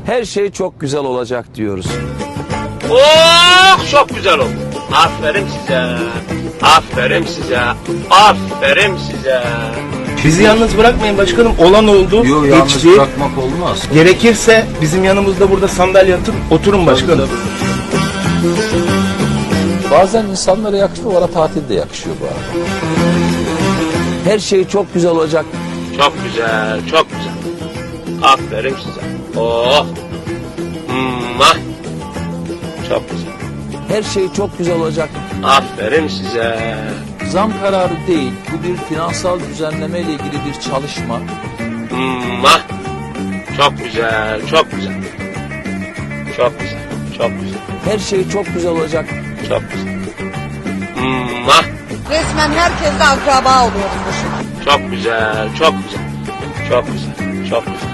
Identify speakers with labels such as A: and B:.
A: Her şey çok güzel olacak diyoruz.
B: Oh, çok güzel oldu. Aferin size. Aferin size. Aferin size.
C: Bizi yalnız bırakmayın başkanım. Olan oldu.
D: Yok, yalnız
C: geçti.
D: bırakmak olmaz.
C: Gerekirse bizim yanımızda burada sandalye atıp oturun başkanım.
D: Bazen insanlara yakışıyor, bana tatil de yakışıyor bu arada.
A: Her şey çok güzel olacak.
B: Çok güzel, çok güzel. Aferin size. Oh. Mwah. Çok güzel.
A: Her şey çok güzel olacak.
B: Aferin size.
D: Zam kararı değil, bu bir finansal düzenleme ile ilgili bir çalışma.
B: Mwah. Çok güzel, çok güzel. Çok güzel, çok güzel.
A: Her şey çok güzel olacak.
B: Çok güzel. Mwah.
E: Resmen herkesle akraba oluyoruz bu şu an.
B: Çok güzel, çok güzel. Çok güzel, çok güzel.